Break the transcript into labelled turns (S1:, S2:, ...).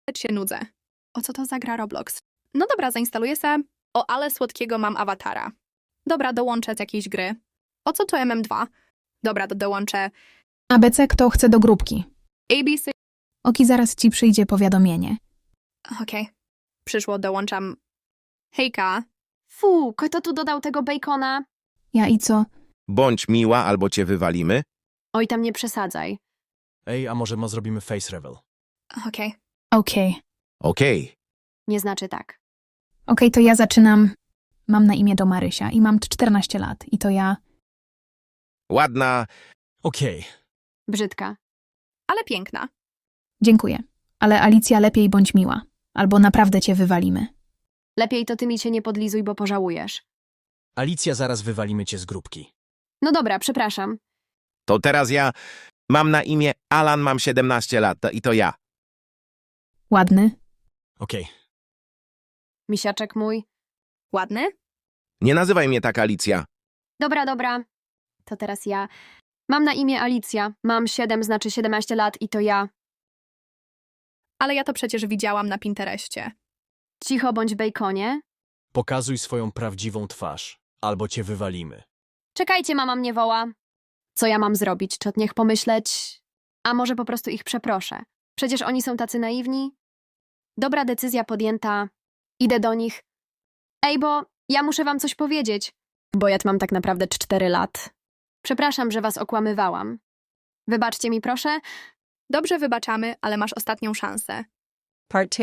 S1: się nudzę. O co to za gra Roblox? No dobra, zainstaluję se. O, ale słodkiego mam awatara. Dobra, dołączę z jakiejś gry. O co to MM2? Dobra, dołączę
S2: ABC, kto chce do grupki?
S1: ABC.
S2: Oki, zaraz ci przyjdzie powiadomienie.
S1: Okej. Przyszło, dołączam. Hejka.
S3: Fu, kto tu dodał tego bacona?
S2: Ja i co?
S4: Bądź miła, albo cię wywalimy.
S3: Oj, tam nie przesadzaj.
S5: Ej, a może zrobimy face reveal?
S1: Okej.
S2: Okej.
S4: Okej.
S3: Nie znaczy tak.
S2: Okej, to ja zaczynam. Mam na imię Marysia i mam 14 lat. I to ja...
S4: Ładna.
S5: Okej.
S3: Brzydka.
S1: Ale piękna.
S2: Dziękuję. Ale Alicja, lepiej bądź miła. Albo naprawdę cię wywalimy.
S3: Lepiej to ty mi się nie podlizuj, bo pożałujesz.
S5: Alicja, zaraz wywalimy cię z grupki.
S3: No dobra, przepraszam.
S4: To teraz ja. Mam na imię Alan, mam 17 lat. I to ja.
S2: Ładny.
S5: Okej.
S3: Misiaczek mój.
S1: Ładny?
S4: Nie nazywaj mnie tak, Alicja.
S3: Dobra, dobra. To teraz ja. Mam na imię Alicja. Mam 7, znaczy 17 lat i to ja.
S1: Ale ja to przecież widziałam na Pinterestie.
S3: Cicho bądź bejkonie.
S5: Pokazuj swoją prawdziwą twarz, albo cię wywalimy.
S3: Czekajcie, mama mnie woła. Co ja mam zrobić? Czy od niech pomyśleć? A może po prostu ich przeproszę? Przecież oni są tacy naiwni. Dobra decyzja podjęta. Idę do nich. Ej, bo ja muszę wam coś powiedzieć. Bo ja mam tak naprawdę 4 lat. Przepraszam, że was okłamywałam. Wybaczcie mi, proszę.
S1: Dobrze, wybaczamy, ale masz ostatnią szansę.
S6: Part 2.